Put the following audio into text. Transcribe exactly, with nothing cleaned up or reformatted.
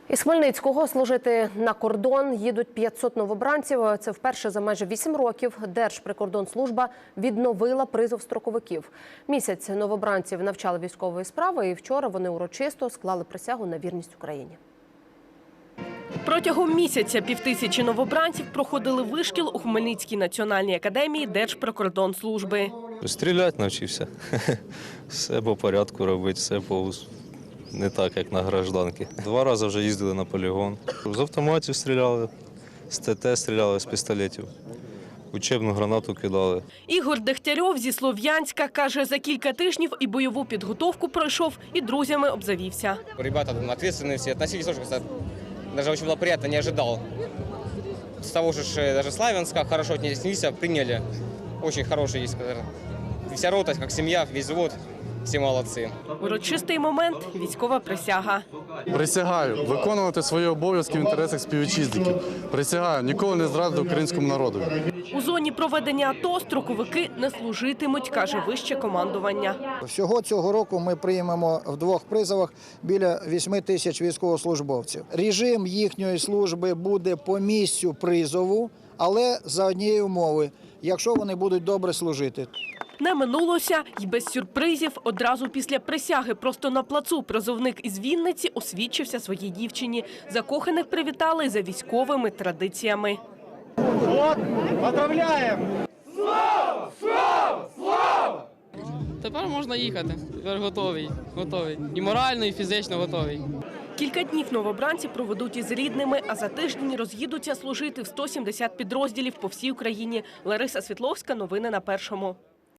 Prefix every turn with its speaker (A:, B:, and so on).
A: Із Хмельницького служити на кордон їдуть п'ятсот новобранців. Це вперше за майже вісім років Держприкордонслужба відновила призов строковиків. Місяць новобранців навчали військової справи, і вчора вони урочисто склали присягу на вірність Україні.
B: Протягом місяця півтисячі новобранців проходили вишкіл у Хмельницькій національній академії Держприкордонслужби.
C: Стріляти навчився. Все по порядку робити, все по... не так, як на гражданки. Два рази вже їздили на полігон. З автоматів стріляли, з ТТ стріляли, з пістолетів. Учебну гранату кидали.
B: Ігор Дегтярьов зі Слов'янська каже, за кілька тижнів і бойову підготовку пройшов, і друзями обзавівся.
D: Ребята відповідальні всі, відносились дуже, кстати, навіть дуже було приємно, не очікував. З того ж, навіть Славянська хорошо віднеслися, прийняли. Дуже хороший є, вся рота, як сім'я, весь взвод. Всі молодці.
B: Урочистий момент – військова присяга.
E: Присягаю виконувати свої обов'язки в інтересах співвітчизників. Присягаю ніколи не зрадити українському народу.
B: У зоні проведення АТО строковики не служитимуть, каже вище командування.
F: Всього цього року ми приймемо в двох призовах біля вісьми тисяч військовослужбовців. Режим їхньої служби буде по місцю призову, але за однієї умови, якщо вони будуть добре служити.
B: Не минулося й без сюрпризів. Одразу після присяги просто на плацу призовник із Вінниці освідчився своїй дівчині. Закоханих привітали за військовими традиціями.
G: От, поздравляємо! Слава! Слава! Слава!
H: Тепер можна їхати. Тепер готовий. Готовий. І морально, і фізично готовий.
B: Кілька днів новобранці проведуть із рідними, а за тиждень роз'їдуться служити в сто сімдесят підрозділів по всій Україні. Лариса Світловська, новини на Першому.